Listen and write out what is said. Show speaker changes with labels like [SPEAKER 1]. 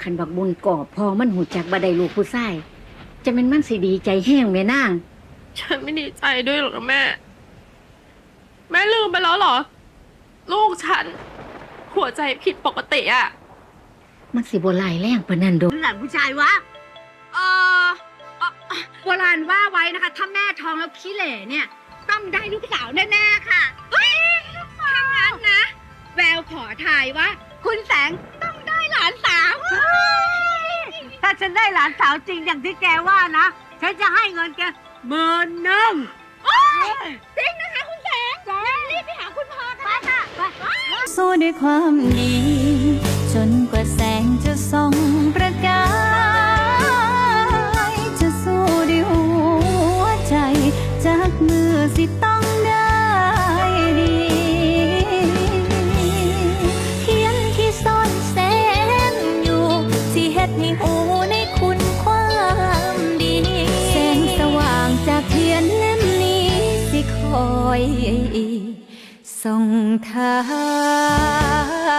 [SPEAKER 1] คันบักบุญก่อพอมันหูจักบ่ได้ลูกผู้ชายจะเป็นมันสิดีใจแห้งแม่นาง
[SPEAKER 2] ฉันไม่ดีใจด้วยหรอกนะแม่ แม่ลืมไปแล้วเหรอ ลูกฉัน หัวใจผิดปกติอะ
[SPEAKER 1] มันสิบ่หลายแรงปานนั้นดอก
[SPEAKER 3] หลานผู้ชายวะเออโบราณว่าไว้นะคะ ถ้าแม่ท้องแล้วขี้เหร่เนี่ยต้องได้ลูกสาวแน่ๆค่ะเฮ้ยถ้างั้นนะ แววขอทายว่า คุณแสงต้องได้หลานสาว
[SPEAKER 4] ถ้าฉันได้หลานสาวจริงอย่างที่แกว่านะ ฉันจะให้เงินแก10,000
[SPEAKER 3] จริงนะคะคุณแสงรีบไปหาคุณพ่อกันค่ะไป
[SPEAKER 5] สู้ด้วยความดี จนกว่าแสงจะส่องประกายจะสู้ด้วยหัวใจจากมือสิต้องได้ดีเทียนที่ซ่อนแสงอยู่ที่เฮ็ดให้หูในคุณความดีแสงสว่างจากเทียนเล่มนี้สิคอยส่งทาง